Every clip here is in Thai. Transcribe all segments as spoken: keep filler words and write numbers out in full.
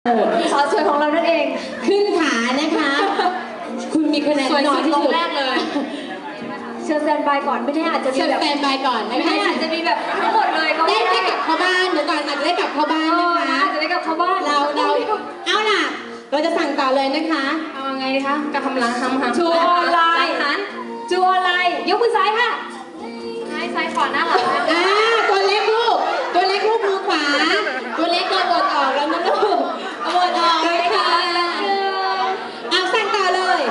สาวสวยของเรานั่นเองขึ้นขานะคะคุณมีคะแนนน้อยที่สุดแรกเลยเชิญแซนบายก่อนไม่แน่อาจจะมีแบบแซนบายก่อนนะคะไม่แน่อาจจะมีแบบทั้งหมดเลยก็ได้ได้กลับเข้าบ้านเดี๋ยวก่อนอาจจะได้กลับเข้าบ้านนะคะอาจจะได้กลับเข้าบ้านเราเราเอาล่ะเราจะสั่งต่อเลยนะคะเอาไงดีคะกระทำล้างทำหางจูออนไลน์จูออนไลน์ยกมือซ้ายค่ะซ้ายซ้ายขวาหน้าหลังอ่าตัวเล็กลูกตัวเล็กลูกมือขวาตัวเล็กก็บดออกแล้วนะลูกบดออกเลยค่ะเอาสั่งต่อเลย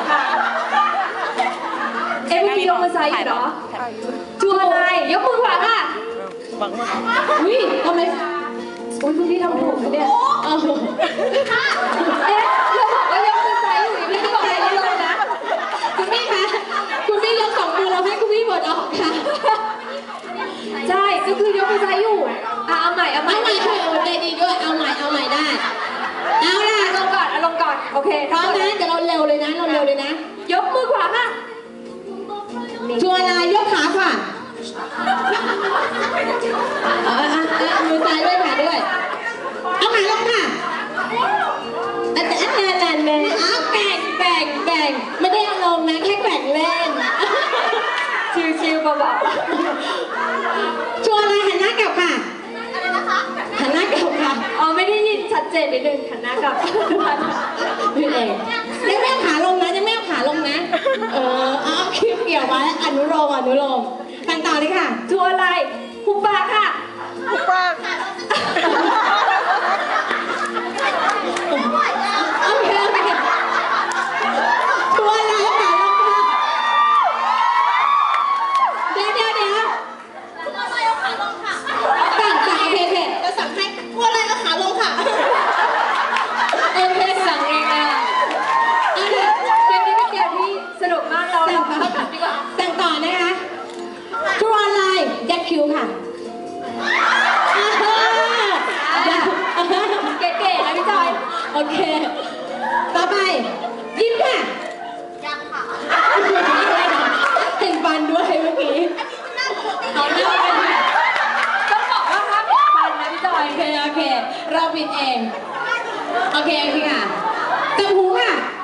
เอ็มพียกมือซ้ายอยู่เหรอจูออนไลน์ยกมือขวาค่ะอุ้ยทำไมอุ้ยคุณพี่ทำถูกนะเนี่ยเอ๊ะเราบอกว่ายกมือซ้ายอยู่ยังไม่ได้บอกอะไรเลยนะคุณพี่คะคุณพี่ยกสองมือเราให้คุณพี่บดออกค่ะใช่ก็คือยกมือซ้ายอยู่อ่ะเอาใหม่เอาใหม่เอาใหม่ค่ะใจดีด้วยเอาใหม่เอาใหม่ได้เอาล่ะลงก่อนลงก่อนโอเคพร้อมนะเดี๋ยวเราเร็วเลยนะเราเร็วเลยนะยกมือขวาค่ะชัวร์ลายยกขาขวาเอามือซ้ายด้วยขาด้วยเอาขาลงค่ะอันนั้นอันนั้นเลยอ้าวแบ่งแบ่งแบ่งไม่ได้เอาลงนะแค่แบ่งเล่นชิวๆเบาๆชัวร์ลายหันหน้ากลับค่ะอะไรนะคะหันหน้ากลับค่ะอ๋อไม่ได้ยินชัดเจนนิดนึงหันหน้ากลับพี่เองยังไม่เอาขาลงนะยังไม่เอาขาลงนะเออเอาคลิปเกี่ยวไว้อนุโลมอนุโลมกันต่อเลยค่ะชัวร์ลายหุบปากค่ะหุบปากโอเคโอเคชัวร์ลายขาลงค่ะเดี๋ยวเดี๋ยวเดี๋ยวต่างต่างโอเคโอเคจะสั่งให้ชัวร์ลายเอาขาลงค่ะโอเคสั่งเองอ่ะเกมนี้เป็นเกมที่สนุกมากเราเราเข้ากันดีกว่าสั่งต่อนะคะชัวร์ลายยัดคิ้วค่ะเก๋ๆนะพี่จอยโอเคต่อไปยิ้มค่ะยังค่ะเห็นฟันด้วยเมื่อกี้เอาหน้าเป็นต้องบอกว่าห้ามปิดฟันนะพี่จอยโอเคโอเคเราปิดเองโอเคโอเคค่ะจับหูค่ะ